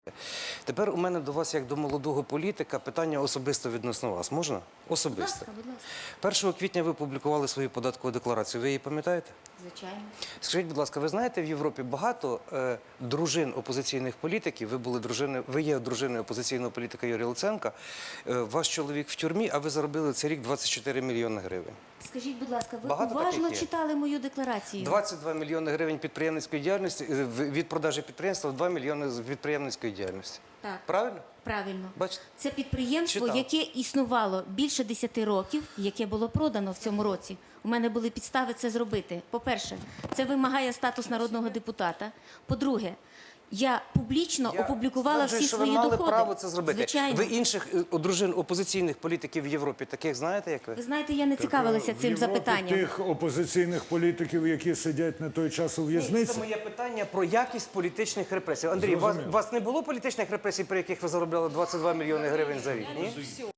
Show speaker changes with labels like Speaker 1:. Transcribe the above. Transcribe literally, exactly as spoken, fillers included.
Speaker 1: Тепер у мене до вас, як до молодого політика, питання особисто відносно вас. Можна? Особисто.
Speaker 2: Будь ласка, будь ласка.
Speaker 1: першого квітня ви публікували свою податкову декларацію. Ви її пам'ятаєте?
Speaker 2: Звичайно.
Speaker 1: Скажіть, будь ласка, ви знаєте, в Європі багато е, дружин опозиційних політиків, ви були дружиною, ви є дружиною опозиційного політика Юрія Луценка, е, ваш чоловік в тюрмі, а ви заробили цей рік двадцять чотири мільйони гривень.
Speaker 2: Скажіть, будь ласка, ви
Speaker 1: Багато
Speaker 2: уважно
Speaker 1: таких є?
Speaker 2: читали мою декларацію?
Speaker 1: двадцять два мільйони гривень підприємницької діяльності, е, в- від продажі підприємства, два мільйони з підприємницької діяльності.
Speaker 2: Так.
Speaker 1: Правильно?
Speaker 2: Правильно.
Speaker 1: Бачите?
Speaker 2: Це підприємство,
Speaker 1: Читав.
Speaker 2: яке існувало більше десяти років, яке було продано в цьому році. У мене були підстави це зробити. По-перше, це вимагає статус народного депутата. По-друге, я публічно
Speaker 1: Я
Speaker 2: опублікувала
Speaker 1: стверджую,
Speaker 2: всі
Speaker 1: що
Speaker 2: свої
Speaker 1: ви мали
Speaker 2: доходи.
Speaker 1: право це зробити.
Speaker 2: Звичайно.
Speaker 1: Ви інших е, дружин опозиційних політиків в Європі таких знаєте, як ви?
Speaker 2: Ви знаєте, я не цікавилася
Speaker 3: В
Speaker 2: цим
Speaker 3: Європі
Speaker 2: запитанням.
Speaker 3: тих опозиційних політиків, які сидять на той час у в'язниці.
Speaker 1: Це моє питання про якість політичних репресій. Андрій, у вас,
Speaker 3: Зрозуміло.
Speaker 1: у вас не було політичних репресій, при яких ви заробляли двадцять два мільйони гривень за рік? Ні?